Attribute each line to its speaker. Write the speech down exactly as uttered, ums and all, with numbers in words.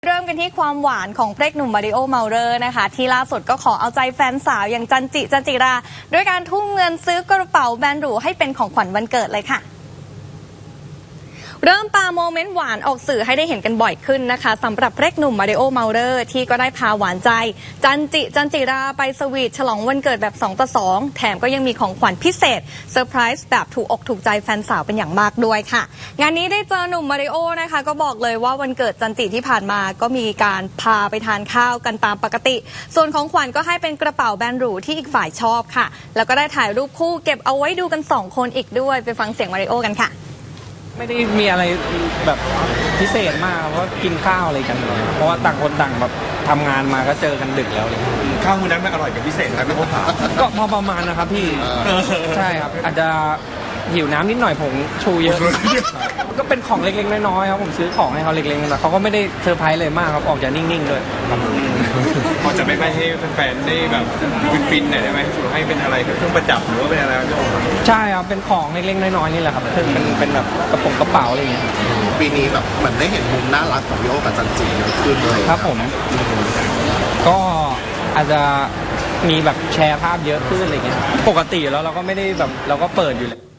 Speaker 1: เริ่มกันที่ความหวานของพระเอกหนุ่มมาริโอเมาเลอร์นะคะที่ล่าสุดก็ขอเอาใจแฟนสาวอย่างจันจิจันจิราด้วยการทุ่มเงินซื้อกระเป๋าแบรนด์หรูให้เป็นของขวัญวันเกิดเลยค่ะเริ่มปาโมเมนต์หวานออกสื่อให้ได้เห็นกันบ่อยขึ้นนะคะสำหรับพระเอกหนุ่มมาริโอเมาเลอร์ที่ก็ได้พาหวานใจจันจิจันจิราไปสวีทฉลองวันเกิดแบบสองต่อสองแถมก็ยังมีของขวัญพิเศษเซอร์ไพรส์แบบถูกอกถูกใจแฟนสาวเป็นอย่างมากด้วยค่ะงานนี้ได้เจอหนุ่มมาริโอนะคะก็บอกเลยว่าวันเกิดจันจิที่ผ่านมาก็มีการพาไปทานข้าวกันตามปกติส่วนของขวัญก็ให้เป็นกระเป๋าแบรนด์หรูที่อีกฝ่ายชอบค่ะแล้วก็ได้ถ่ายรูปคู่เก็บเอาไว้ดูกันสองคนอีกด้วยไปฟังเสียงมาริโอกันค่ะ
Speaker 2: ไม่ได้มีอะไรแบบพิเศษมากเพราะกินข้าวอะไรกันเพราะว่าต่างคนต่างแบบทำงานมาก็เจอกันดึกแล้วเลย
Speaker 3: ข้าวมื้อนั้นมันอร่อยกับพิเศษครับพี่โอ๊ค
Speaker 2: ก็พอประมาณนะครับพี่ใช่ครับอาจจะหิวน้ำนิดหน่อยผมชูเยอะก็เป็นของเล็กๆน้อยๆครับผมซื้อของให้เขาเล็กๆแต่เขาก็ไม่ได้เซอร์ไพรส์เลยมากครับออกจากนิ่งๆเลย
Speaker 3: พอจะไม่ไปให้แฟนๆได้แบบฟินๆหน่อยได้ไหมสูให้เป็นอะไรเครื่องประดับหรือว่าเป็นอะไรพี่โอ๊ค
Speaker 2: ใช่ครับเป็นของเล็กๆน้อยๆนี่แหละครับเป็นเป็นแบบกระป๋องกระเป๋าอะไรอย่างเงี้ย
Speaker 4: ปีนี้แบบเหมือนได้เห็นมุมน่ารักของพี่โอ๊คกับจันจิเยอะขึ้นเลย
Speaker 2: ครับผมก็อาจจะมีแบบแชร์ภาพเยอะขึ้นอะไรเงี้ยปกติแล้วเราก็ไม่ได้แบบเราก็เปิดอยู่เลย